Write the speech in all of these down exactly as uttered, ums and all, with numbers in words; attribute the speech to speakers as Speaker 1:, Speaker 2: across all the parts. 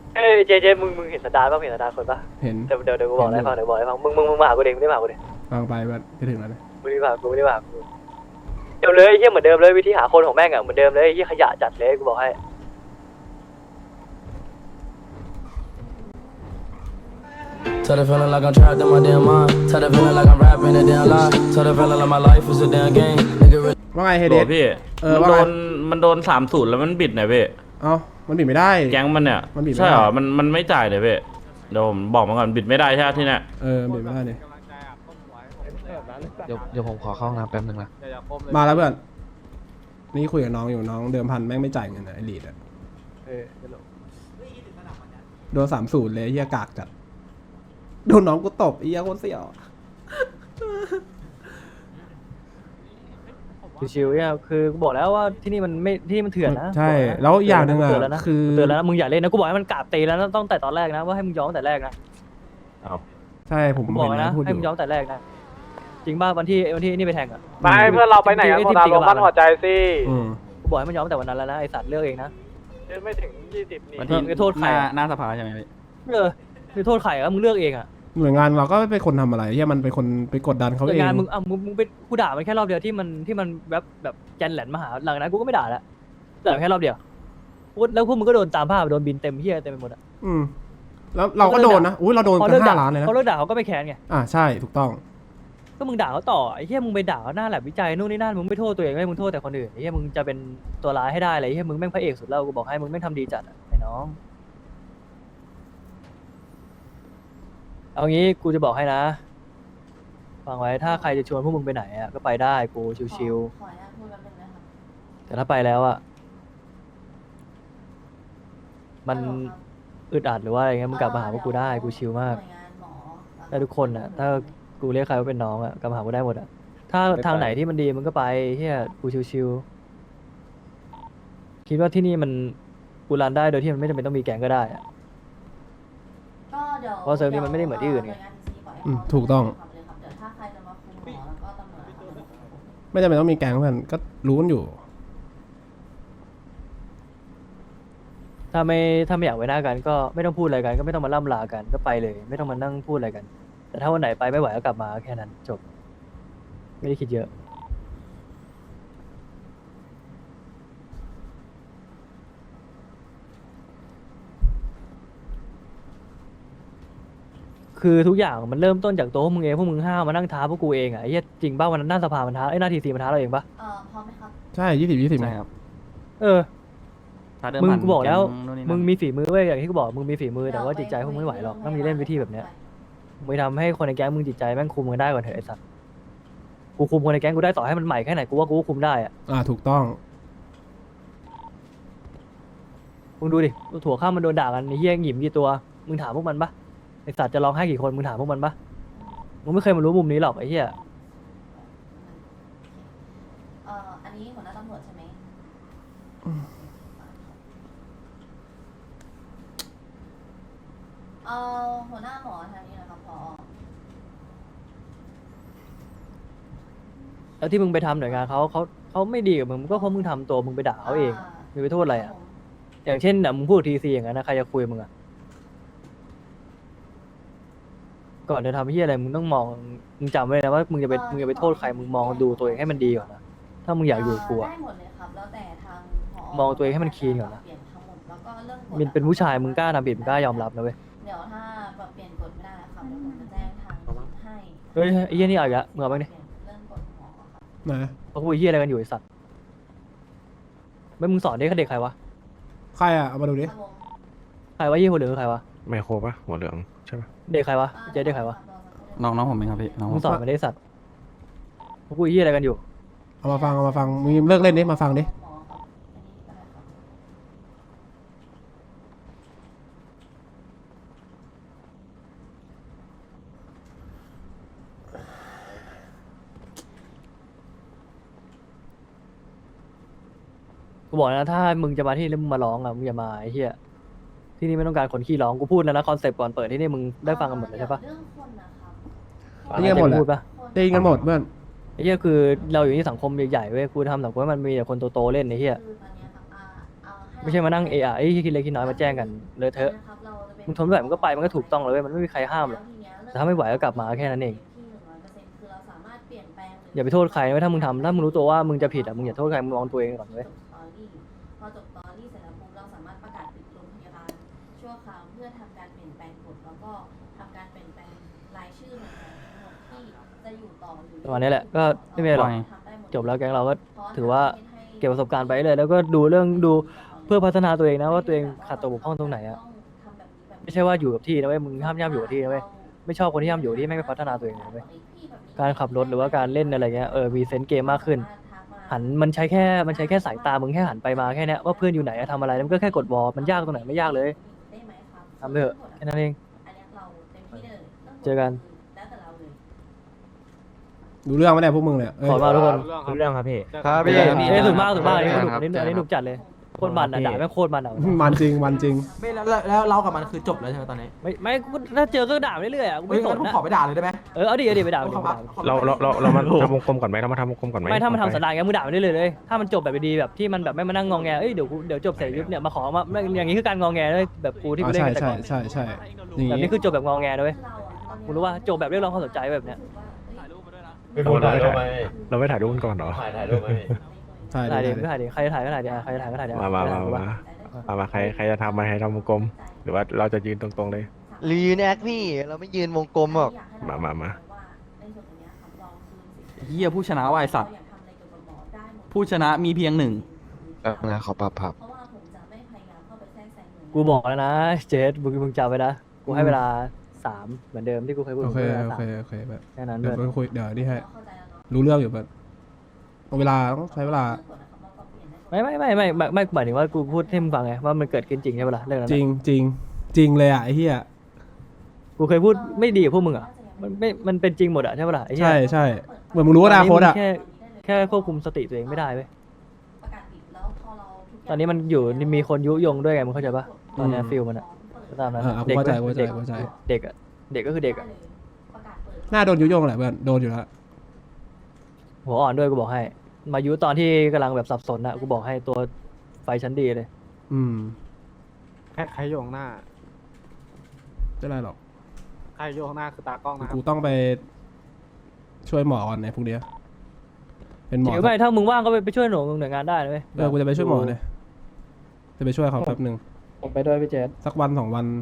Speaker 1: เอ้ยเจเจมึงมึงเห็นสันดานป่ะเห็นสันดานคนป่ะ
Speaker 2: เห็น
Speaker 1: เดี๋ยวเดี๋ยวเดี๋ยวกูบอกอะไรฟังเดี๋ยวบอกอะไรฟังมึงมึงมึงมาหากูเองมึงได้มาหากูเอง
Speaker 2: ฟังไปแบบจะถึงแล้วเลย
Speaker 1: มึงได้มาหากูไม่ได้มาหากูเดิมเลยไอ้เหี้ยเหมือนเดิมเลยวิธีหาคนของแม่งอะเหมือนเดิมเลยไอ้เหี้ยขยะจัดเลยกูบอกให้
Speaker 3: Tell the feeling like I'm trapped in my damn mind. Tell the feeling like I'm rapping a damn lie. Tell the feeling like my life is a damn game. Nigga really
Speaker 2: ว่าไงเฮเด
Speaker 4: โห
Speaker 2: ส
Speaker 4: พี่
Speaker 2: เออ
Speaker 4: มัน
Speaker 2: ว่า
Speaker 4: โด
Speaker 2: ไง
Speaker 4: นมันโดนสามศูนย์แล้วมันบิดหน่อยพี่
Speaker 2: เอ้ามันบิดไม่ได้
Speaker 4: แก๊งมันเนี่ย
Speaker 2: มันบิดไม่
Speaker 4: ใช่เหรอ
Speaker 2: ได้
Speaker 4: มันมันไม่จ่ายเลยพี่เดี๋ยวผมบอกมาก่อนบิดไม่ได้ใช่ไหมที่เนี่ย
Speaker 2: เออบิดไม่ได้เนี่ย
Speaker 5: เดี๋ยวเดี๋ยวผมขอเข้าห้องน้ำแป๊บนึงนะ
Speaker 2: มาแล้วเพื่อนนี่คุยกับน้องอยู่น้องเดิมพันแม่งไม่จ่ายเงินนะไอลีดอะโดนสามศูนย์เลยเฮียกากจัดโดนน้องกูตบไอ้เฮียโคตรเสี่ยว
Speaker 1: ชิวๆเนี่ยคือกูบอกแล้วว่าที่นี่มันไม่ที่นี่มันเถื่อนนะ
Speaker 2: ใช่แล้วอีกอย่างหนึ่งอะ
Speaker 1: เตือนแล้วนะ
Speaker 2: คือ
Speaker 1: เตือนแล้วนะมึงอย่าเล่นนะกูบอกให้มันกราบตีแล้วนะต้องแต่ตอนแรกนะว่าให้มึงยอมแต่แรกนะ
Speaker 2: ใช่ผม
Speaker 1: กูบอก
Speaker 2: เห็น
Speaker 1: นะ
Speaker 2: นะพูดอ
Speaker 1: ให้มึงย
Speaker 2: ยู่
Speaker 1: อมแต่แรกนะจริงป่ะวันที่วันที่นี่ไปแทงอ่ะ
Speaker 6: ไปเพื่อนเราไปไหนอะโซดาลงบ้านหัวใจสิ
Speaker 2: อืม
Speaker 1: กูบอกให้มันยอมแต่วันนั้นแล้วนะไอสัตว์เลือกเองนะ
Speaker 6: ไม่ถึงยี่สิบนี่
Speaker 1: วันที่ไปโทษใครอะ
Speaker 4: หน้าสภาใช่ไหมพี่
Speaker 1: เออไปโทษใครอะมึงเลือกเองอ่ะ
Speaker 2: หน่วยงานเราก็ไม่เป็นคนทำอะไรเฮียมันเป็นคนไปกดดันเขา
Speaker 1: แต่
Speaker 2: เอง
Speaker 1: งานมึงอ่ะมึงมึงเป็นกูด่ามันแค่รอบเดียวที่มันที่มันแบบแบบแจนแหลนมาหาหลังนั้นกูก็ไม่ด่าแล้วด่าแค่รอบเดียวพูดแล้วพวกมึงก็โดนตามภาพโดนบินเต็มเฮียเต็มไปหมดอ่ะ
Speaker 2: อืมแล้วเราก็โดนนะอุ้ยเราโดน
Speaker 1: พอ
Speaker 2: กั
Speaker 1: เลิก
Speaker 2: น
Speaker 1: ด่า
Speaker 2: ห้าล้านเลยนะ
Speaker 1: พอเลิกด่าเขาก็ไม่แค้นไง
Speaker 2: อ่าใช่ถูกต้อง
Speaker 1: ก็มึงด่าเขาต่อไอ้เหี้ยมึงไปด่าเขาหน้าแลบวิจัยนู่นนี่นั่นมึงไม่โทษตัวเองเลยมึงโทษแต่คนอื่นไอ้เหี้ยมึงจะเป็นตัวร้ายให้ได้เลยไอ้เหี้ยมึงแม่งพระเอกสุดแล้วกูบอกให้มึงแม่งทำดีจัดอะไอ้น้องเอางี้กูจะบอกให้นะฟังไว้ถ้าใครจะชวนพวกมึงไปไหนอ่ะก็ไปได้กูชิว
Speaker 7: ขออนุญาตพูดแป๊บนึงนะครับ
Speaker 1: ๆแต่ถ้าไปแล้วอ่ะมัน
Speaker 7: ฮัลโหลครับ
Speaker 1: อึดอัดหรือว่าอะไรเงี้ยมึงกลับมาหาพวกกูได้กูชิลมาก
Speaker 7: หน่วยงานหมอ
Speaker 1: ได้ทุกคนอ่ะถ้ากูเรียกใครว่าเป็นน้องอ่ะกลับมาหากูได้หมดอ่ะถ้าทางไหนที่มันดีมึงก็ไปเฮียกูชิวๆคิดว่าที่นี่มันกูรันได้โดยที่มันไม่จำเป็นต้องมีแก๊งก็ได้อ่ะ
Speaker 7: ก็เดี๋ยว
Speaker 1: เพราะเซิร์ฟนี้มันไม่ได้เหมือนที่อื่นไง
Speaker 7: หวยาน ที ซี ปล่อยให้
Speaker 2: อืม
Speaker 7: เขา
Speaker 2: ถูกต้อง
Speaker 7: ทำเลยครับเดี๋ยวถ้าใครจะมาคุมหมอแล้วก็ตำรวจนะครับ
Speaker 2: ไม่จำเป็นต้องมีแก๊งเพื่อนก็รู้กันอยู่
Speaker 1: ถ้าไม่ถ้าไม่อยากไว้หน้ากันก็ไม่ต้องพูดอะไรกันก็ไม่ต้องมาล่ำลากันก็ไปเลย ไม่ต้องมานั่งพูดอะไรกัน แต่ถ้าวันไหนไปไม่ไหวก็กลับมาแค่นั้นจบ ไม่ได้คิดเยอะ คือทุกอย่างมันเริ่มต้นจากตัวพวกมึงเองพวกมึงห้าวมานั่งท้าพวกกูเองอ่ะไอ้เหี้ยจริงป่ะวันนั้นหน้าสภามันท้าไอ้ยหน้าทีซีมันท้าเราเองป่ะ
Speaker 7: เอ่อพร้อมไหมครับ
Speaker 2: ใช่ยี่สิบยี่สิบ
Speaker 4: ใช่ครับ
Speaker 1: เออ มึงกูบอกแล้ว
Speaker 4: นู่นนี่
Speaker 1: มึ
Speaker 4: นั่
Speaker 1: ง
Speaker 4: น
Speaker 1: มีฝีมือเว้ยอย่างที่กูบอกมึงมีฝีมือแต่ว่าจิตใจพวกมึงไม่ไหวหรอกต้องมีเล่นวิธีแบบเนี้ยมึงไปทำให้คนในแก๊งมึงจิตใจแม่งคุมกันได้ก่อนเถอะไอ้สัสกูคุมคนในแก๊งกูได้ต่อให้มันใหม่แค่ไหนกูว่ากูก็คุมได้อะ
Speaker 2: อ่าถูกต้อง
Speaker 1: มึงดูดิถั่วข้ามมันโดนด่ากันไอ้เหี้ยหยิมกี่ตัวมึงถามพวกมันปะไอ้สัตว์จะร้องไห้กี่คนมึงถามพวกมันปะมึงไม่เคยมารู้มุมนี้หรอกไอ้เหี้ย
Speaker 7: เอ่ออันนี้หัวหน้าตำรวจใช่ไหมเอ่อหัวหน้าหมอทางนี้นะครับพอ
Speaker 1: แล้วที่มึงไปทำหน่วยงานเขาเขาเขาไม่ดีกับมึงก็เพราะมึงทำตัวมึงไปด่าเขาเองมึงไปโทษอะไรอ่ะอย่างเช่นน่ะมึงพูดทีซีอย่างนั้นนะใครจะคุยกับมึงอ่ะก่อนจะทำเหี้ยอะไรมึงต้องมองมึงจำไว้เลยนะว่ามึงจะไปมึงจะไปโทษใครมึงมองดูตัวเองให้มันดีก่อนนะถ้ามึงอยากอยู่กับกูอะ
Speaker 7: ได้หมดเลยครับแล้วแต่ทางผ
Speaker 1: มองตัวเองให้มันคลีนก่อนนะ
Speaker 7: เปลี่ยนทั้งหมดแล้วก็เรื่องกฎ
Speaker 1: มินเป็นผู้ชายมึงกล้าทำผิดมึงกล้ายอมรับนะเว้ย
Speaker 7: เดี๋ยวถ้าปรับเปลี่ยนกฎไม่ได้นะครับเดี๋ยวผมจะแจ้งทางให้
Speaker 1: เฮ้ยไอ้เหี้ยนี่เอาอีกแล้วมึงเอาบ้างดิ
Speaker 7: เปลี่ยนเรื่องกฎหมอครับ
Speaker 2: นะ
Speaker 1: เขาคุยเหี้ยอะไรกันอยู่ไอ้สัตว์ไม่มึงสอนเด็กเด็กใครวะ
Speaker 2: ใครอ่ะเอามาดูดิ
Speaker 7: ครับผม
Speaker 1: ใครวะเหี้ยหัวเหลืองคือใครวะ
Speaker 6: ไมโครปะหัวเหลืองใช่ปะ
Speaker 1: เด็กใครวะเจ๊เด็กใครวะ
Speaker 5: น้องน้องผมเองครับพี่น้องผ
Speaker 1: มึ
Speaker 5: ม
Speaker 1: งสอนมาได้สัตว์เขาคุยเหี้ยอะไรกันอยู่
Speaker 2: เอามาฟังเอามาฟังมึงเลิกเล่นดิมาฟังดิ
Speaker 7: หมอครับอันนี้ก็ได้ครับ
Speaker 1: กูบอกนะถ้ามึงจะมาที่นี่แล้วมึงมาร้องอ่ะมึงอย่ามาไอ้เหี้ยที่นี่ไม่ต้องการคนขี้ร้องกูพูดแล้วนะคอนเซปต์ก่อนเปิดที่นี่มึงได้ฟังกันหมดเลยใช่ปะ
Speaker 7: เรื่องคนนะครับ
Speaker 2: ได้ยินหมดแหละ
Speaker 1: พูดปะ
Speaker 2: ได้ยินกันหมดเพื่อน
Speaker 1: ไอ้เหี้ยคือเราอยู่ที่สังคมใหญ่ๆเว้ยกูทำสังคมให้มันมีแต่คนโตๆเล่นไอ้เหี้ย
Speaker 7: คือตอนเนี้ยครับอ่าเอาให้
Speaker 1: ไม่ใช่มานั่งเอะอะไอ้ยคิดเล็กคิดน้อยมาแจ้งกันเลอะเทอะมึงทนไม่ไหวมึงก็ไปมันก็ถูกต้องเลยเว้ยมันไม่มีใครห้ามหรอกแต่ถ้าไม่ไหวก็กลับมาแค่นั้นเองอย่าไปโทษใครนะเว้ยถ้ามึงทำถ้ามึงรู้ตัวว่ามึงจะผิดอ่ะมึงอย่าโทษใครมึงมองตัวเองก่อนเว้ย
Speaker 7: พอจบตอรี่เสร็จแล้วปุ๊บเราสามารถประกาศปิดโรงพยาบาลชั่วคราวเพื่อทำการเปลี่ยนแปลงกฎแล้วก็ทำการเปลี่ยนแปลงรายชื่อหน่วยงานทั้งหมดที่จะอยู่ต่อหรือ
Speaker 1: ประมาณนี้แหละก็ไม่มีอะไรหรอกจบแล้วแก๊งเราก็ถือว่าเก็บประสบการณ์ไปเลยแล้วก็ดูเรื่องดูเพื่อพัฒนาตัวเองนะว่าตัวเองขาดตัวบกพร่องตรงไหนอะไม่ใช่ว่าอยู่กับที่นะเว้ยมึงห้ามย่ำอยู่กับที่นะเว้ยไม่ชอบคนที่ย่ำอยู่ที่ไม่ไปพัฒนาตัวเองเลยเว้ยการขับรถหรือว่าการเล่นอะไรเงี้ยเออมีเซนส์เกมมากขึ้นหันมันใช้แค่มันใช้แค่สายตามึงแค่หันไปมาแค่เนี้ยว่าเพื่อนอยู่ไหนอะทำอะไรแล้วมันก็แค่กดวอลมันยากตรงไหนไม่ยากเลยทำไปเถอะแค่นั้นเองเจอกัน
Speaker 2: รู้เรื่องไหมเนี่ยพวกมึงเนี่ยเอ้ย
Speaker 1: ขอมาทุกคน
Speaker 6: รู้เรื่องครับพี่
Speaker 5: ครับพี่
Speaker 1: เอ้ยสุดมากสุดมากอันนี้สนุก
Speaker 5: ครั
Speaker 1: อั
Speaker 5: บ
Speaker 1: นนี้อันนี้หนุกจัดเลยโคตรมันอ่ะด่าแม่งโคตรมันอ่ะ
Speaker 2: มันจริงมันจริง
Speaker 8: ไม่แล้วแล้วแล้วเรากับมันคือจบแล้วใช่ไหมตอนนี้
Speaker 1: ไม่ไม่กูถ้าเจอก็ด่าไปเรื่อยๆอ่ะกู
Speaker 8: เฮ้ย
Speaker 1: ไม่ส
Speaker 8: งั้น
Speaker 1: น
Speaker 8: ผม
Speaker 1: นะ
Speaker 8: ขอไปด่าเลยได้ไหม
Speaker 1: เออเอาดิเอาดิไปด่าไปดิ
Speaker 8: ขอ
Speaker 1: ไปด่า
Speaker 8: ขอ
Speaker 6: เราเราเราเรามาทำวงกลมก่อนไหมเรามาทำวงกลมก่อนไหม
Speaker 1: ไม่ถ้ามันทำสันดานงั้นมึงด่าไปเรื่อยๆเลยถ้ามันจบแบบดีๆแบบที่มันแบบไม่มานั่งงองแงเอ้ยเดี๋ยวกูเดี๋ยวจบเสร็จยุบเนี่ยมาขอมาไม่อย่างนี้คือการงองแงเลยแบบกูที่
Speaker 2: อ๋
Speaker 1: กู
Speaker 2: อ
Speaker 1: เล่น
Speaker 2: ใช่
Speaker 1: กันแต่
Speaker 2: ใช่
Speaker 1: ก่อน
Speaker 2: ใช่ใช่อย่าง
Speaker 1: แบบ
Speaker 2: งี้
Speaker 1: นี้คือจบแบบงองแงนะเว้ยกูรู้ว่าจบแบบเรียกร้องความสนใจแบบเนี้ย
Speaker 6: เราไม่ถ่ายเราไม่ถ่ายรูปกันก่อนเหรอ
Speaker 2: ใช่
Speaker 1: ถ่าย
Speaker 2: ได้
Speaker 1: ดิ
Speaker 2: ได้
Speaker 1: ถ่ายดิใครจะถ่ายก็ถ่ายดิใครจะถ่ายก็ถ่ายดิ
Speaker 6: มามามามามามาใครใครจะทำมาให้ทำวงกลม หรือว่าเราจะยืนตรงๆเลย
Speaker 5: รียืนแอคพี่เราไม่ยืนวงกลมหรอก
Speaker 6: มามามา
Speaker 8: เฮียผู้ชนะว่ะไอสัตว์ผู้ชนะมีเพียงหนึ่ง
Speaker 5: เออนะขอปรับผับ
Speaker 1: กูบอกแล้วนะเจสมึงมึงจำไว้นะกูให้เวลาสามเหมือนเดิมที่กูเคยพูด
Speaker 2: โอเค
Speaker 1: กูให้เวลา
Speaker 2: โอ
Speaker 1: สา
Speaker 2: เค
Speaker 1: ม
Speaker 2: โอเคแบบ
Speaker 1: แค่นั้น
Speaker 2: เดี๋
Speaker 1: เพื่
Speaker 2: ย
Speaker 1: อ
Speaker 2: วน คุยเดี๋ยวนี่ให้รู้เรื่องอยู่แบบเอาเวลาต้องใช้เวลา
Speaker 1: ไม่ไม่ไม่ไม่ไม่ไม่หมายถึงว่ากูพูดให้มึงฟังไงว่ามันเกิดขึ้นจริงใช่ปะล่ะเรื่องนั้น
Speaker 2: จ
Speaker 1: อะ
Speaker 2: ริงจริงจริงเลยอ่ะไอ้เหี้ย
Speaker 1: กูเคยพูดไม่ดีกับพวกมึงอ่ะ มันไม่ มันเป็นจริงหมดอ่ะใช่ปะล่ะไอ้เหี้ย
Speaker 2: ใช่ใช่เหมือนมึงรู้อนาคตอ่ะ
Speaker 1: ตนนี้มึงแค่แค่ควบคุมสติตัวเองไม่ได้เว้ย ตอนนี้มันอยู่มีคนยุยงด้วยไงมึงเข้าใจปะตอนเนี้ยฟิลมันอ่ะก็ตามนั้น
Speaker 2: เออเอากู
Speaker 1: เด็ก
Speaker 2: เข้าใจ
Speaker 1: ว้ย
Speaker 2: เข้าใจ
Speaker 1: เด็ก
Speaker 2: เข้าใจ
Speaker 1: เด็กอ่ะเด็กก็คือเด็กอ่ะ
Speaker 2: หน้าโดนยุยงแหละเพื่อนโดนอยู่แล้ว
Speaker 1: หัวอ่อนด้วยกูบอกให้ มายุตอนที่กำลังแบบสับสนอ่ะกูบอกให้ตัวไฟชั้นดีเลย
Speaker 2: อืม
Speaker 6: ใครใครโยงหน้า
Speaker 2: ไม่เป็นไรหรอก
Speaker 6: ใครโยงหน้าคือตากล้องนะครั
Speaker 2: กู
Speaker 6: บ
Speaker 2: ต้องไปช่วยหมอก่อนในพวกเนี้ยเป็นหม
Speaker 1: จ
Speaker 2: อ
Speaker 1: ริงไม่ถ้ามึงว่างก็ไปไปช่วยหน่วยหน่วยงานได้นะเว้ย
Speaker 2: เออกูจะไปช่วยหมอเลยจะไปช่วยเขาแป๊บหนึ่ง
Speaker 1: ผมไปด้วยพี่เจษ
Speaker 2: สักวันสองวัน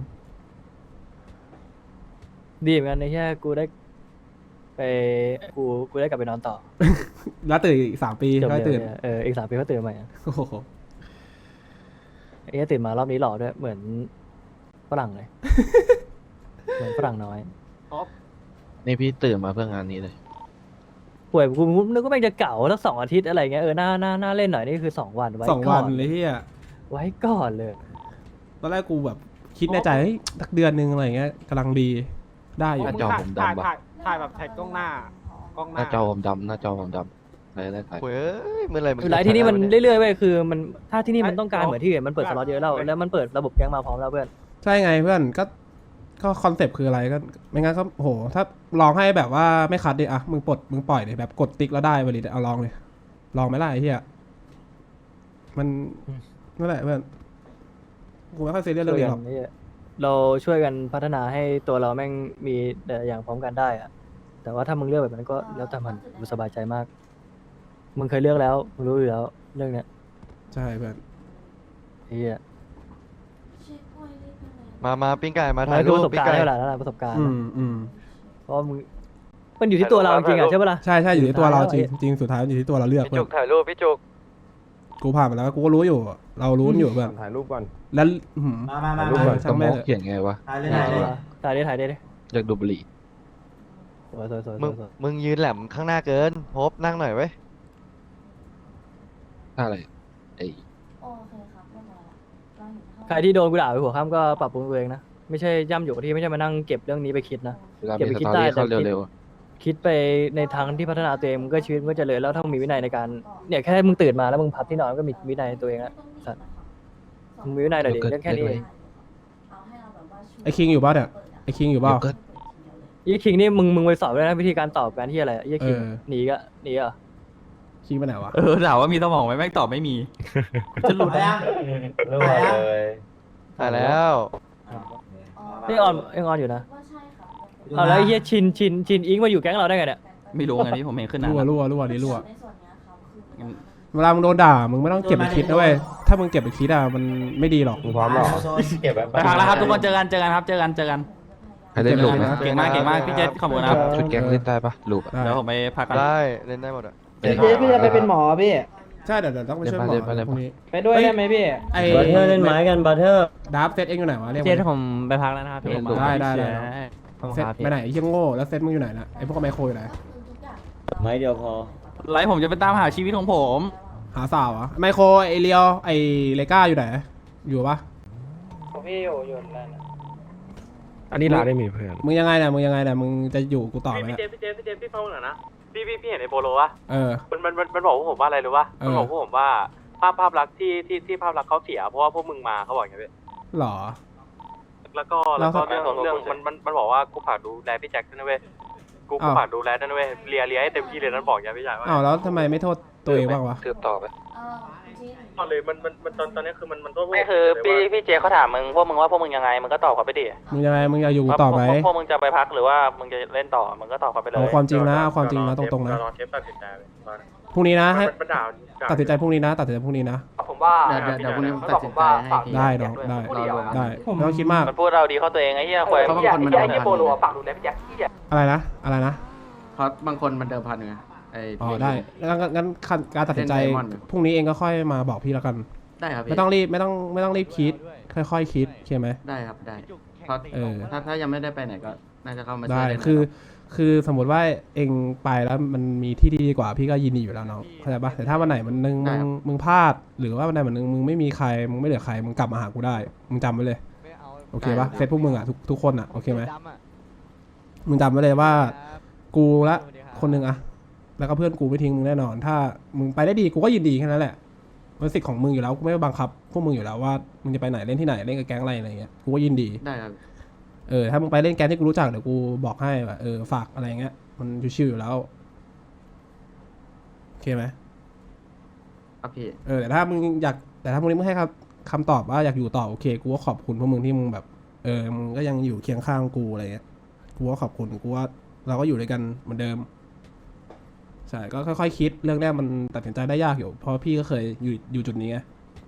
Speaker 1: ดีเหมือนกันในแค่กูได้ ไปกูกูได้กลับไปนอนต่อ
Speaker 2: แล้วตื่นอีกสามปี
Speaker 1: จบ
Speaker 2: ค่อย
Speaker 1: เร็
Speaker 2: ตื่
Speaker 1: วน เนี่ยเอออีกสามปีก็ตื่นใหม่อะ
Speaker 2: โอ้โห
Speaker 1: ไอ้เหี้ยตื่นมารอบนี้หล่อด้วยเหมือนฝรั่งเลย เหมือนฝรั่งน้อย
Speaker 5: นี่พี่ตื่นมาเพื่องานนี้เลย
Speaker 1: ป่วยกูนึกว่าแม่งจะเก่าสักสองอาทิตย์อะไรเงี้ยเออหน้าหน้าหน้าเล่นหน่อยนี่คือสองวันไว้
Speaker 2: สอง
Speaker 1: ก่
Speaker 2: วั
Speaker 1: อน น
Speaker 2: เลยเฮีย
Speaker 1: ไว้ก่อนเลย
Speaker 2: ตอนแรกกูแบบคิดในใจเฮ้ยสักเดือนหนึงอะไรเงี้ยกำลังดีได้อยู่
Speaker 5: หน้าจอผมดำปะ
Speaker 6: ถ่ายถ่ายแบบถ่ายกล้องหน้ากล้องห
Speaker 5: ห
Speaker 6: น้า
Speaker 5: น้าจอผมดำหน้าจอผมดำอะไรได้ถ่ายเฮ้ยเมื่อไรมัน
Speaker 1: หลายที่นี่มัน
Speaker 5: เรื่อย
Speaker 1: เรื่อยๆเว้ยคือมันถ้าที่นี่มันต้องการเหมือนที่อื่นมันเปิดสล็อตเยอะแล้วแล้วมันเปิดระบบแก๊งมาพร้อมแล้วเพื่อน
Speaker 2: ใช่ไงเพื่อนก็ก็คอนเซปต์คืออะไรก็ไม่งั้นก็โหถ้าลองให้แบบว่าไม่คัดดิอะมึงปลดมึงปล่อยดิแบบกดติ๊กแล้วได้บริเอาลองเลยลองไหมล่ะไอ้เหี้ยมันนั่นแหละเพื่อนกูไม่ค่อยซีเรียสเรื่องนี้หรอก
Speaker 1: ช่วยกันเราช่วยกันพัฒนาให้ตัวเราแม่งมีแต่ละอย่างพร้อมกันได้อะแต่ว่าถ้ามึงเลือกแบบนั้นก็แล้วแต่มันกูสบายใจมาก มึงเคยเลือกแล้วมึงรู้อยู่แล้วเรื่องเนี้ย
Speaker 2: ใช่เพื่อน
Speaker 1: ไอ้เหี้ย
Speaker 5: มามาปิ้งไก่มา
Speaker 1: มัน
Speaker 5: ถ่าย
Speaker 1: คื
Speaker 5: รู
Speaker 1: อ
Speaker 5: ป
Speaker 1: ประสบ
Speaker 5: ปิ้ง
Speaker 1: การณ์
Speaker 5: ไก่
Speaker 1: ได้เวลาแล้วล่ะประสบการณ์
Speaker 2: อื
Speaker 1: นะ
Speaker 2: มอืม
Speaker 1: เพราะมึงมันอยู่ที่ตัวเราจริงๆอ่ะใช่ปะล่ะ
Speaker 2: ใช่ใช่อยู่ที่ตัวเราจริง
Speaker 1: สุดท้ายแล้ว
Speaker 2: จริงสุดท้ายอยู่ที่ตัวเราเลือก
Speaker 6: พี่
Speaker 2: เพื่
Speaker 6: จุ
Speaker 2: อก น
Speaker 6: ถ่ายรูปพี่จุก
Speaker 2: กูผ่านมาแล้วกูก็รู้อยู่ เรารู้อยู่เพื่อน
Speaker 6: ถ่ายรูปก่อน
Speaker 2: แล้วอื้อหือ
Speaker 9: มามามา
Speaker 2: รูปก่อน
Speaker 5: สมองเขียนไงวะ
Speaker 9: ถ่ายเลยถ่ายเลย
Speaker 1: ถ่ายได้ถ่ายได้ดิ
Speaker 5: อยากดูบุหรี่
Speaker 1: สวยสวยสวยส
Speaker 5: มึ
Speaker 1: ว
Speaker 5: ง
Speaker 1: ยสวย
Speaker 5: มึงยืนแหลมข้างหน้าเกินโฮปนั่งหน่อยเว้ยท่าอะไรไอ้
Speaker 7: โอเคครับเรียบร้อยแล้วเราเห็นเท่า
Speaker 1: ใครที่โดนกูด่าไปหัวข้ามก็ปรับปรุงตัวเองนะไม่ใช่ย่ำอยู่กับที่ไม่ใช่มานั่งเก็บเรื่องนี้ไปคิดนะ
Speaker 5: เวลา
Speaker 1: เก็บ
Speaker 5: มี
Speaker 1: ไป
Speaker 5: ส
Speaker 1: คิด
Speaker 5: ตอ
Speaker 1: ได้
Speaker 5: รี่
Speaker 1: แต่
Speaker 5: เข้า
Speaker 1: คิด
Speaker 5: เร็วๆอะ
Speaker 1: คิดไปในทางที่พัฒนาตัวเองมันก็ชีวิตมันก็เจริญแล้วถ้ามึงมีวินัยในการเนี่ยแค่มึงตื่นมาแล้วมึงพับที่นอนก็มีวินัยในตัวเองแล้วสัตว์มึงมีวินัยหน่อยดิเรื่องแค่นี้เอง
Speaker 7: เอาให้เราแบบว่าช่วย
Speaker 2: ไอ้คิงอยู่ป่ะเนี่ยไอ้คิงอยู่ป่ะ
Speaker 5: เดี๋ยวก็
Speaker 1: ยี่คิงนี่มึงมึงไปสอบด้วยนะวิธีการตอบการที่อะไรยี่คิง
Speaker 2: เออ
Speaker 1: หนีก็หนีเหรอ่ะ
Speaker 2: คิงไปไหนวะ
Speaker 8: เออถามว่ามีสมองไหมแม่งตอบไม่มี จะหลุด
Speaker 9: รั่วเลย
Speaker 5: ตายแล้ว
Speaker 1: นี่ออนยังออนอยู่นะ
Speaker 7: ว่าใช่ค่ะ
Speaker 1: เอาแล้วไอ้เฮียชินชินชินอิงมาอยู่แก๊งเราได้ไงเนี่ย
Speaker 8: ไม่รู้ไงพี่ผมเห็นขึ้นหนา
Speaker 2: รั่วรั่วรั่วนี่รั่ว
Speaker 7: ในส่วนเนี้ยครับคือ
Speaker 2: เวลามึงโดนด่ามึงไม่ต้องเก็บไปคิดนะเว้ยถ้ามึงเก็บไปคิดอ่ะมันไม่ดีหรอก
Speaker 6: มึงพร้อมหรอ
Speaker 9: เก็บไว้
Speaker 8: ไปพักแล้วครับทุกคนเจอกันเจอกันครับเจอกันเจอกัน
Speaker 5: ใครเล่นลูกไหม
Speaker 8: เก่งมากเก่งมากพี่เจษขอบคุณนะครับ
Speaker 5: ชุดแก๊งเล่นได้ปะลูกอะ
Speaker 2: ได้
Speaker 8: เดี๋ยวผมไปพักกัน
Speaker 5: ได้เล่นได้หมดอ่ะ
Speaker 9: เจ๊พี่จะไปเป็นหมอพี่
Speaker 2: ใช่เดี๋ยวเดี๋ยวต้องไปช่วยหมอ
Speaker 5: เล่นไปเล่นไป
Speaker 2: พรุ่งนี้
Speaker 9: ไปด้วยได้ไหมพี่
Speaker 2: ไอ้
Speaker 9: บัตเทอร์เล่นไม้กันบัตเทอร์
Speaker 2: ดับเซตเองอยู่ไหนวะเรียก
Speaker 1: เจ
Speaker 2: มา
Speaker 1: สผมไปพักแล้วนะครับพี่
Speaker 2: ได้ได้ได้เซตไปไหนไอ้เหี้ยโง่แล้วเซตมึงอยู่ไหนนะไอ้พวกไมโครอยู่ไหน
Speaker 9: ไม้เดียวพอ
Speaker 8: ไลฟ์ผมจะไปตามหาชีวิตของผม
Speaker 2: หาสาวเหรอไมโครไอเลียวไอเลก้าอยู่ไหนอยู่ปะ
Speaker 9: พี่อยู่อยู่นั่น
Speaker 6: อันนี้เราได้มีเพื่อน
Speaker 2: มึงยังไงเนี่ยมึงยังไงเนี่ยมึงจะอยู่กูต่อไหม
Speaker 10: พี่
Speaker 2: เนี่ย
Speaker 10: เจพี่เจพี่เจพี่ฟังหน่อยนะพี่พี่พี่เห็นไอ้โปโลวะ
Speaker 2: เออ
Speaker 10: มันมันมันมันบอกพวกผมว่าอะไรรู้ปะ
Speaker 2: เออ
Speaker 10: มันบอกพวกผมว่าภาพภาพลักษณ์ที่ที่ที่ภาพลักษณ์เขาเสียเพราะว่าพวกมึงมาเขาบอกอย่างเงี้ย
Speaker 2: หรอ
Speaker 10: แล้วก็แล้วก็เรื่องเรื่องมันมันมันบอกว่ากูฝากดูแลพี่แจ็คด้วยนะเว้ยกูกู
Speaker 2: อ้าว
Speaker 10: ฝากดูแลด้วยนะเว้ยเลียเลียให้เต็มที่เลยนั่นบอกอย่างพี่ชายว่า
Speaker 2: อ้าวแล้วทำไมไม่โทษตัวเองบ้างวะ
Speaker 5: สืบต่อไป
Speaker 7: เออจริง
Speaker 10: ตอนเลยมันมันมันตอนตอนนี้คือมันมันโทษพวก
Speaker 8: ไม่คือพี่พี่เจเขาถามมึงพวกมึงว่าพวกมึงยังไงมึงก็ตอบเขาไปดิ
Speaker 2: มึงยังไงมึงอยากอยู่กูต่อไหม
Speaker 8: พวกมึงจะไปพักหรือว่ามึงจะเล่นต่อมึงก็ตอบเขาไปเลย
Speaker 2: เอาความจริงนะเอาความจริงนะตรงๆนะ
Speaker 10: รอเทปตัดสินใจเลยตอนนั้น
Speaker 2: พรุ่งนี้นะให้
Speaker 10: มันด่าด่า
Speaker 2: ตัดสินใจพรุ่งนี้นะตัดสินใจพรุ่งนี้นะ
Speaker 10: ผมว่า
Speaker 8: เดี๋ยวเดี๋ยวพรุ่งนี้ผมตัดสินใจให้ที
Speaker 2: ได้น้องได้ได้ไม่ต้องคิดมาก
Speaker 8: มันพูดเราดีเข้าตัวเองไอ้เหี้ยควาย
Speaker 10: เพราะบางคนมันไอ้เหี้ยโปโลฝากดูแลพี่แจ็คที่
Speaker 2: อะไรนะอะไรนะ
Speaker 8: เพราะบางคนมันเดิมพันไงไอ้
Speaker 2: อ๋อได้งั้นงั้นงั้นขั้นการตัดสินใจ
Speaker 8: เล่น Diamond
Speaker 2: พรุ่งนี้เองก็ค่อยมาบอกพี่แล้วกัน
Speaker 8: ได้ครับพี่
Speaker 2: ไม่ต้องรีบไม่ต้องไม่ต้องรีบคิด ค่อยๆคิดโอเคไหม
Speaker 8: ได้ครับได้เพราะ
Speaker 2: เออ
Speaker 8: ถ้าถ้ายังไม่ได้ไปไหนก็น่าจะเข้ามาช่
Speaker 2: ได้
Speaker 8: วยเล่น
Speaker 2: คือ
Speaker 8: นะครับ
Speaker 2: คือสมมติว่าเองไปแล้วมันมีที่ที่ดีกว่าพี่ก็ยินดีอยู่แล้วน้องเข้าใจปะแต่ถ้าวันไหนมันนึงมึงมึงพลาด หรือว่าวันไหนมันนึงมึงไม่มีใครมึงไม่เหลือใครมึงกลับมาหากูได้มึงจำไว้เลยโอเคปะเซตพวกมึงอ่ะทุกทุกคนอ่ะโอเคไหมมึงจำไว้เลยว่ากูละคนหนึ่งอะแล้วก็เพื่อนกูไม่ทิ้งมึงแน่นอน ถ้ามึงไปได้ดีกูก็ยินดีแค่นั้นแหละมันสิทธิ์ของมึงอยู่แล้วกูไม่บังคับพวกมึงอยู่แล้วว่ามึงจะไปไหนเล่นที่ไหนเล่นกับแก๊งอะไรอะไรเงี้ยกูก็ยินดี
Speaker 8: ได้ครับ
Speaker 2: เออถ้ามึงไปเล่นแก๊งที่กูรู้จักเดี๋ยวกูบอกให้ว่าเออฝากอะไรเงี้ยมันชิวๆอยู่แล้วโอเคไหม
Speaker 8: ครับพี่
Speaker 2: เออแต่ถ้ามึงอยากแต่ถ้าพวกนี้มึงให้คำคำตอบว่าอยากอยู่ต่อโอเคกูก็ขอบคุณพวกมึงที่มึงแบบเออมึงก็ยังอยู่เคียงข้างกูอะไรเงี้ยกูก็ขอบคุณกูว่าเราก็อยู่ด้วยกันเหมือนเดิมใช่ก็ค่อยๆคิดเรื่องแรกมันตัดสินใจได้ยากอยู่เพราะพี่ก็เคยอยู่อยู่จุดนี้ไง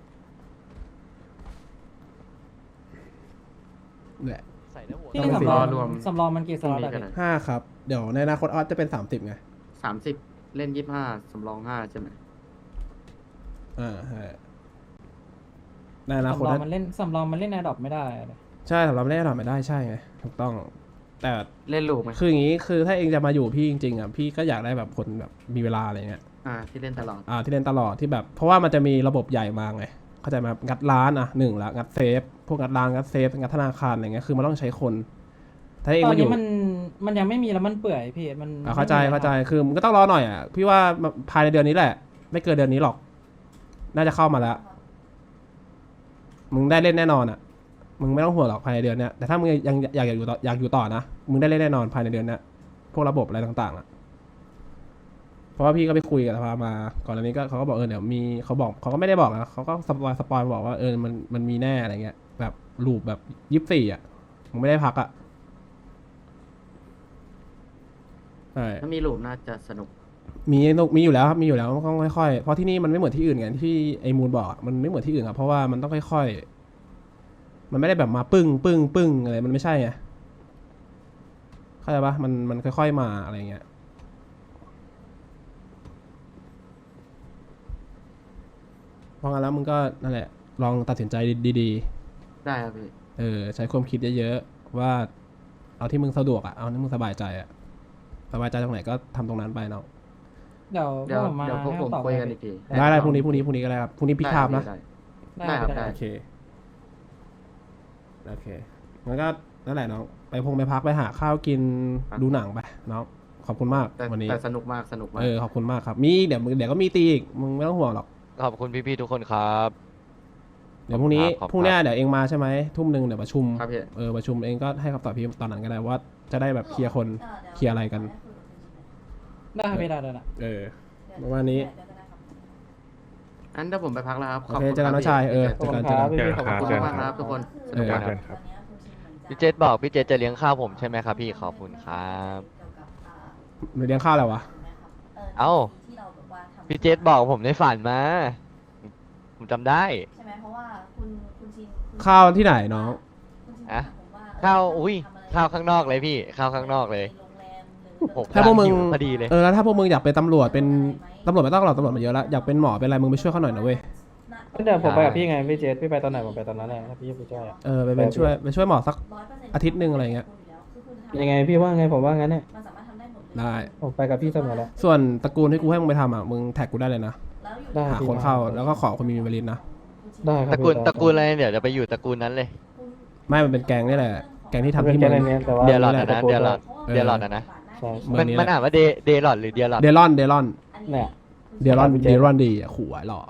Speaker 2: แหละ
Speaker 8: พี่
Speaker 2: ต้อง
Speaker 8: สำรอง
Speaker 2: รวม
Speaker 8: สำรองมันกี่สล็อตอะพี่
Speaker 2: ห้าครับ เดี๋ยวในอนาคตออสจะเป็นสามสิบไง
Speaker 8: สามสิบเล่นยี่สิบห้าสำรองห้าใช่ไหม
Speaker 2: อ่าใช่ในอนาคต
Speaker 11: สำรอง
Speaker 2: นะ
Speaker 11: มันเล่นสำรองมันเล่นแอร์ดรอปไม่ได้เลย
Speaker 2: ใช่สำหรับเล่นหน่อยไม่ได้ใช่ไงถูกต้อง แต่
Speaker 8: เล่นลูกไหม
Speaker 2: คืออย่างนี้คือถ้าเองจะมาอยู่พี่จริงๆอ่ะพี่ก็อยากได้แบบคนแบบมีเวลาอะไรเงี้ย
Speaker 8: อ่าที่เล่นตลอด
Speaker 2: อ่าที่เล่นตลอดที่แบบ เพราะว่ามันจะมีระบบใหญ่มาไงเข้าใจไหมครับงัดร้านอ่ะหนึ่งละงัดเซฟพวกงัดร้านงัดเซฟงัดธนาคารอะไรเงี้ยคือมันต้องใช้คน ถ้าเอง
Speaker 11: ตอน
Speaker 2: มาอยู่
Speaker 11: นี้มันมันยังไม่มีแล้วมันเปื่อยพี่มัน
Speaker 2: อ่าเข้าใจ
Speaker 11: ไม่มี
Speaker 2: เข้าใจคือมันก็ต้องรอหน่อยอ่ะพี่ว่าภายในเดือนนี้แหละ ไม่เกินเดือนนี้หรอก น่าจะเข้ามาแล้ว มึงได้เล่นแน่นอนอ่ะ มึงไม่ต้องห่วงหรอกภายในเดือนเนี้ยแต่ถ้ามึงยังอยากอยากอยู่ต่ออยากอยู่ต่อนะมึงได้เล่นแน่นอนภายในเดือนเนี้ยพวกระบบอะไรต่างๆอ่ะเพราะว่าพี่ก็ไปคุยกับสภามาก่อนอันนี้ก็เขาก็บอกเออเดี๋ยวมีเขาบอกเขาก็ไม่ได้บอกนะเขาก็สปอยสปอยบอกว่าเออมันมันมีแน่อะไรเงี้ยแบบลูปแบบยี่สิบสี่อ่ะมึงไม่ได้พักอ่ะใช่
Speaker 8: ถ้ามีลูกน่าจะสนุก
Speaker 2: มีมีอยู่แล้วครับมีอยู่แล้วต้องค่อยๆเพราะที่นี่มันไม่เหมือนที่อื่นไงที่ไอ้มูลบอกอะมันไม่เหมือนที่อื่นครับเพราะว่ามันต้องค่อยๆมันไม่ได้แบบมาปึ้งปึ้งปึ้งอะไรมันไม่ใช่ไงเข้าใจปะมันมันค่อยๆมาอะไรเงี้ยเพราะงั้นแล้วมึงก็นั่นแหละลองตัดสินใจดี
Speaker 8: ได้ครับพี่
Speaker 2: ๆเออใช้ความคิดเยอะๆว่าเอาที่มึงสะดวกอะเอาที่มึงสบายใจอะสบายใจตรงไหนก็ทำตรงนั้นไปเนาะ
Speaker 11: เดี๋ยว
Speaker 8: เดี๋ยว
Speaker 11: พวกผมมา
Speaker 8: เดี๋ยวพวกผม
Speaker 11: ให้คำตอบ
Speaker 8: คุย
Speaker 11: ให้
Speaker 8: กันอีกที
Speaker 2: ได้ได้พรุ่งนี้พรุ่งนี้พรุ่งนี้ก็ได้ครับพรุ่งนี้พิกไทม์นะ
Speaker 8: ได้
Speaker 11: ได้
Speaker 8: ได้ครับ
Speaker 11: ได้
Speaker 8: ได้
Speaker 2: โอเค โอเคงั้นก็นั่นแหละน้อง ไปพงไปพักไปหาข้าวกินดูหนังไปน้อง ขอบคุณมาก
Speaker 8: แต่
Speaker 2: วันนี้
Speaker 8: แต่สนุกมากสนุกมาก
Speaker 2: เออ ขอบคุณมากครับ มีเดี๋ยวมึงเดี๋ยวก็มีตีอีก มึงไม่ต้องห่วงหรอก
Speaker 5: ขอบคุณพี่ๆทุกคนครับ
Speaker 2: เดี๋ยวพรุ่งนี้
Speaker 5: ขอบคุณครับ
Speaker 2: พรุ่งนี้เดี๋ยวเองมาใช่ไหม ทุ่มหนึ่งเดี๋ยวประชุม
Speaker 8: ครับพี่
Speaker 2: เออ ประชุมเองก็ให้คำตอบพี่ตอนนั้นก็ได้ว่า จะได้แบบเคลียร์คน เคลียร์อะไรกัน
Speaker 11: ได้ครับพี่ได้ได้ได้
Speaker 2: เออ ประมาณนี้
Speaker 7: เดี๋ยวจะ
Speaker 5: อันเดี๋ยวผมไปพักแล้วครับ
Speaker 2: โอเคเจอกันน้องชายเออ
Speaker 11: ขอบ
Speaker 2: เจอ
Speaker 11: คุ
Speaker 2: กัน
Speaker 11: ณ
Speaker 2: เจอ
Speaker 11: ค
Speaker 2: กั
Speaker 11: รั
Speaker 2: น
Speaker 11: บพี่พี่ขอบคุณมากๆครับทุกคน
Speaker 2: เออ
Speaker 6: เพื่อนครับ
Speaker 5: พี่เจษบอกพี่เจษจะเลี้ยงข้าวผมใช่ไหมครับพี่ขอบคุณครับ
Speaker 2: หรือเลี้ยงข้าวอะไรวะ
Speaker 5: เอ้า พี่เจษบอกผมในฝันมา ผมจำได้
Speaker 7: ใช่ไหมเพราะว่าคุณคุณชินคุณ
Speaker 2: ข้าวที่ไหนน้อง
Speaker 7: คุณชิน
Speaker 5: อะ
Speaker 7: ผมว่า
Speaker 5: ข้าว
Speaker 7: เ
Speaker 5: อุ้ย
Speaker 7: ทำะไร
Speaker 5: ข้าวข้างนอกเลยพี่ข้าวข้างนอกเลย
Speaker 7: โรงแรมหรือ
Speaker 5: ผม
Speaker 2: ถ้าพวกมึง
Speaker 5: หิพอดีเลย
Speaker 2: เออแล้วถ้าพวกมึงอยากเป็นตำรวจเป็นตำรวจไม่ต้องหรอกตำรวจมาเยอะแล้วอยากเป็นหมอเป็นอะไรมึงไปช่วยเขาหน่อยนะเว้ย
Speaker 11: เดี๋ยวผมไปกับพี่ไงพี่เจสพี่ไปตอนไหนผมไปตอนนั้นแหละถ้าพี่ไปช่วยอะ
Speaker 2: เออไปเป็นช่วยไปช่วยหมอสัก
Speaker 7: ร้อยเปร์เซ็นต์
Speaker 2: อาทิตย์หนึ่งอะไรเงี้ย
Speaker 11: ยังไงพี่ว่าไงผมว่างั้นเนี่ย
Speaker 7: มันสามารถทำได้หมดเลย
Speaker 2: ได้
Speaker 11: ผมไปกับพี่เสมอแล้ว
Speaker 2: ส่วนตระกูลที่กูให้มึงไปทำอ่ะมึงแท็กกูได้เลยนะ
Speaker 7: แล้วอยู่
Speaker 11: ได้
Speaker 2: หาคนเข้าแล้วก็ขอคนมีมีวลินนะ
Speaker 11: ได้ค
Speaker 5: ต
Speaker 11: รับ
Speaker 5: ระกูล
Speaker 11: พี่
Speaker 5: ตระกูลอะไรเดี๋ยวจะไปอยู่ตระกูลนั้นเลย
Speaker 2: ไม่มันเป็นแกงนี่แหละแกงที่
Speaker 11: ทำ
Speaker 2: ทำ
Speaker 11: เป็น
Speaker 2: ที่
Speaker 11: แก
Speaker 2: เมือง
Speaker 11: นเนี้ยแต่ว่า
Speaker 5: เดียร์หลอด
Speaker 2: นี่
Speaker 5: นะ
Speaker 2: แหละ
Speaker 5: เดียร์หลอด
Speaker 2: เออ
Speaker 5: เดียร์หลอดนะนะ
Speaker 11: ใช่
Speaker 2: เมื
Speaker 5: มั
Speaker 2: อน งนี้
Speaker 5: มัน
Speaker 2: แหละ
Speaker 5: อ่านว่าเดเดย์หลอดหรือเดียร์หลอด
Speaker 2: เดลอนเดลอน
Speaker 11: เนี่ย
Speaker 2: เดลอนเดลอนดีอ่ะขู่ไอ้หล่อ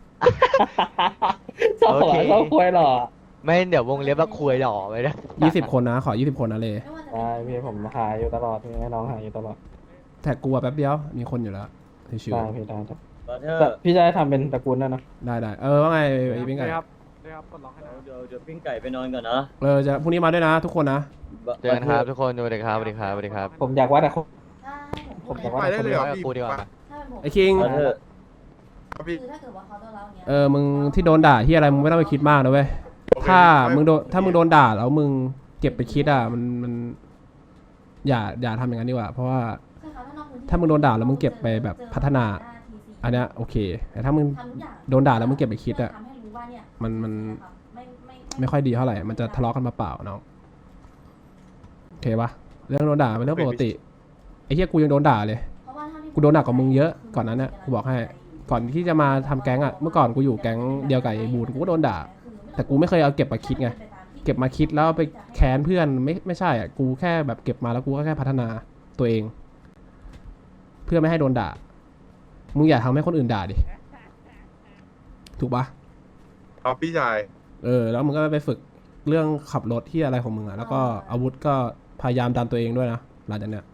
Speaker 11: ชอบหัวชอบควยหรอ
Speaker 5: ไม่เดี๋ยววงเล็บว่าคุยหล่อไปนะ
Speaker 2: ยี่สิบคนนะขอยี่สิบคนนะเลย
Speaker 11: ได้พี่ผมหาอยู่ตลอดพี่ให้น้องหาอยู่ตลอด
Speaker 2: แท็กกูอะแป๊บเดียวมีคนอยู่แล้วชิว
Speaker 11: ได้พี่ได้ครับ
Speaker 9: บัตเตอร์
Speaker 11: แต่พี่จะให้ทำเป็นตระกูลนั่นนะ
Speaker 2: ๆได้ได้เออว่าไงไอ้ปิ้งไก่
Speaker 9: เดี๋ยวเดี๋ยวปิ้งไก่ไปนอนก่อนนะ
Speaker 2: เออจะพรุ่งนี้มาด้วยนะ ทุกคนนะ
Speaker 5: เจอกันครับทุกคนสวัสดีครับสวัสดีครับสวัสดีครับ
Speaker 11: ผมอยากวัดอะ
Speaker 7: ถ้าให้ผม
Speaker 11: ผ
Speaker 7: พู
Speaker 11: ม
Speaker 7: ด
Speaker 11: อยาก
Speaker 7: นะ
Speaker 11: วัด
Speaker 5: ไปได้เลยเหรอพี่ดีกว่า
Speaker 7: ถ้าเป็นผม
Speaker 2: ไอ้คิง
Speaker 9: บัตเตอร์
Speaker 7: คือถ้าเกิดว่าเขาจะเล่าเนี้ย
Speaker 2: เออมึงที่โดนด่าที่อะไรมึงไม่ต้องไปคิดมากนะเว้ยถ้ามึงโดนถ้ามึงโดนด่าแล้วมึงเก็บไปคิดอ่ะมันมันอย่าอย่าทำอย่างนั้นดีกว่า เพราะว่า
Speaker 7: ใช่ค่ะถ้านอกพื้นที่
Speaker 2: ถ้ามึงโดนด่าแล้วมึงเก็บไปแบบพัฒนา อันเนี้ยโอเค แต่ถ้ามึง
Speaker 7: ทำทุกอย่าง
Speaker 2: โดนด่าแล้วมึงเก็บไปคิดอะ
Speaker 7: ทำให้รู้ว่าเนี่ย
Speaker 2: มันมัน
Speaker 7: ไม่ไม่
Speaker 2: ไม่ค่อยดีเท่าไหร่ มันจะทะเลาะกันมาเปล่าน้องโอเคปะเรื่องโดนด่าเป็นเรื่องปกติไอ้เหี้ยกูยังโดนด่าเลย
Speaker 7: เพราะว่าถ้าที่
Speaker 2: กูโดนหนักกว่ามึงเยอะก่อนนั้นเนี่ยกูบอกให้ ก่อนที่จะมาทำแก๊งอ่ะ เมื่อก่อนกูอยู่แก๊งเดียวกับไอ้บูนกูก็โดนด่า แต่กูไม่เคยเอาเก็บมาคิดไง เก็บมาคิดแล้วเอาไปแค้นเพื่อนไม่ไม่ใช่อ่ะ กูแค่แบบเก็บมาแล้วกูก็แค่พัฒนาตัวเอง เพื่อไม่ให้โดนด่า มึงอย่าทำให้คนอื่นด่าดิ ถูกปะ
Speaker 12: ครับพี่ชาย
Speaker 2: เออ แล้วมึงก็ไปฝึกเรื่องขับรถที่อะไรของมึงอ่ะ แล้วก็อาวุธก็พยายามดันตัวเองด้วยนะหลังจากเนี้ย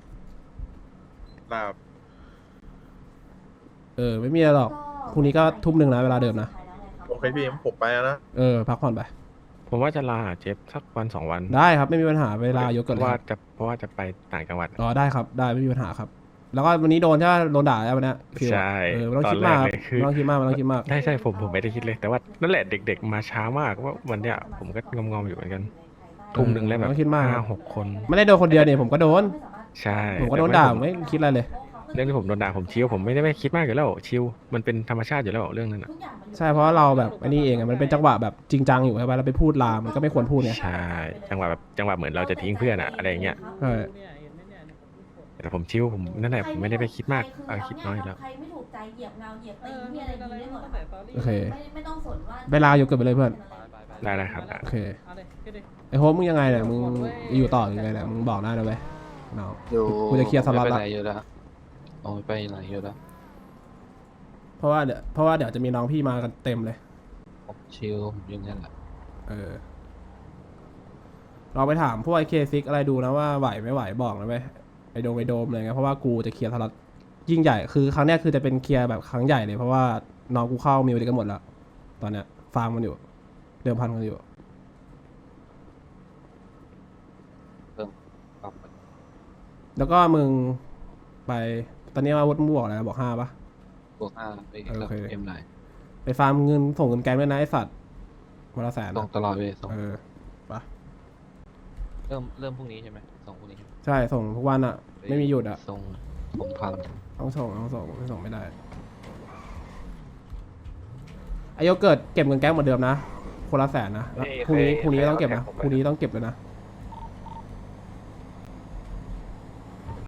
Speaker 12: ครับ
Speaker 2: เออ ไม่มีอะไรหรอก พรุ่งนี้ก็ทุ่มหนึ่งนะเวลาเดิมนะ
Speaker 12: โอเคพี่ผมไปแล้วนะ
Speaker 2: เออ พักผ่อนไป
Speaker 6: ผมว่าจะลาหาเจฟสักวันสองวัน
Speaker 2: ได้ครับ ไม่มีปัญหาเวลายก
Speaker 6: เพ
Speaker 2: กัน
Speaker 6: ราะ
Speaker 2: เลย
Speaker 6: ว่า
Speaker 2: ครับ
Speaker 6: จะเพราะว่าจะไปต่างจังหวัด
Speaker 2: อ๋อได้ครับ ได้ไม่มีปัญหาครับ แล้วก็วันนี้โดนใช่ไหมโดนด่าแล้ววันเนี้ยฟิว
Speaker 6: ใช่
Speaker 2: เออไม่ต้อง
Speaker 6: ตอน
Speaker 2: คิดมาก
Speaker 6: แรก
Speaker 2: ครับ
Speaker 6: เลยคือ
Speaker 2: ไม่ต้องคิดมากไม่ต้องคิดมาก
Speaker 6: ใช่ใช่ผมผมไม่ได้คิดเลย แต่ว่านั่นแหละเด็ก ๆ มาช้ามากว่าวันเนี้ยผมก็งอมๆอยู่เหมือนกันทุ่มหนึ่งแล้วแบบ
Speaker 2: ไม่ต้องคิดมาก
Speaker 6: ห้าหกคน
Speaker 2: ไม่ได้โดนคนเดียวเนี่ยผมก็โดน
Speaker 6: ใช่
Speaker 2: ผมก็โดนด่าผมไม่คิดอะไรเลย
Speaker 6: เรื่องที่ผมโดนด่าผมชิวผมไม่ได้ไม่คิดมากอยู่แล้วชิวมันเป็นธรรมชาติอยู่แล้วเรื่องนั้นอ่ะ
Speaker 2: ใช่เพราะว่าเราแบบอันนี้เองอะมันเป็นจังหวะแบบจริงจังอยู่ใช่ไหมเราไปพูดลามมันก็ไม่ควรพูดไง
Speaker 6: ใช่จังหวะแบบจังหวะเหมือนเราจะทิ้งเพื่อนอะอะไรอย่างเงี้ย
Speaker 2: ใช่
Speaker 6: แต่ผมชิวผมนั่นแหละผมไม่ได้ไปคิดมากเอาคิดน้อยอยู่แล้ว
Speaker 7: ใครไม่ถูกใจเหยียบเงาเหยียบตีที่อะไรอย่างนี้ได้หมดอะ
Speaker 2: โอเค
Speaker 7: ไม่ไม่ต้องสนว่า
Speaker 2: เวลาอยู่เกิดไปเลยเพื่อน
Speaker 6: ได้ได้ครับได้
Speaker 2: โอเคไอ้โฮมมึงยังไงเนี่ยมึงอยู่ต่อยังไงเนี่ยมึงบอกได้นะเว้ยเนาะ
Speaker 5: อยู่
Speaker 2: กูจะเคลียร์สล็อตละ
Speaker 5: ไปไหนอยู่แล้วโอ้ยไปไหนอยู่แล้ว
Speaker 2: เพราะว่าเดี๋ยวเพราะว่าเดี๋ยวจะมีน้องพี่มากันเต็มเลย
Speaker 5: ชิลผมอยังงั้นแหละ
Speaker 2: เออเราไปถามพวกไอเคซิกอะไรดูนะว่าไหวไม่ไหวบอกนะเว้ยไอโดมไอโดมอะไรเงี้ยเพราะว่ากูจะเคลียร์สล็อตยิ่งใหญ่คือครั้งเนี้ยคือจะเป็นเคลียร์แบบครั้งใหญ่เลยเพราะว่าน้องกูเข้ามีวันกันหมดแล้วตอนเนี้ยฟาร์มมันอยู่เดิมพันกันอยู่
Speaker 5: ปรับ
Speaker 2: แล้วก็มึงไปตอนนี้อาวุธมึงบอกอะไรนะบอกห้าปะ
Speaker 5: บวกห้าไป
Speaker 2: โอเค
Speaker 5: เอ็มไหน
Speaker 2: ไปฟาร์มเงินส่งเงินแกงด้วยนะไอสัตว์วันละแสน
Speaker 5: ส่ง
Speaker 2: นะ
Speaker 5: ตลอดเลยส่ง
Speaker 2: เออปะ
Speaker 5: เริ่มเริ่มพรุ่งนี้ใช่ไหมส่งพรุ่งนี้
Speaker 2: ใช่ส่งทุกวันอะไม่มีหยุดอะ
Speaker 5: ส่งผมพัน
Speaker 2: ต้องส่งต้องส่งไม่ส่งไม่ได้ไอโยเกิร์ตเก็บเงินแก๊งเหมือนเดิมนะคนละแสนนะแล้วพรุ่งนี้พรุ่งนี้ต้องเก็บนะพรุ่งนี้ต้องเก็บเลยนะ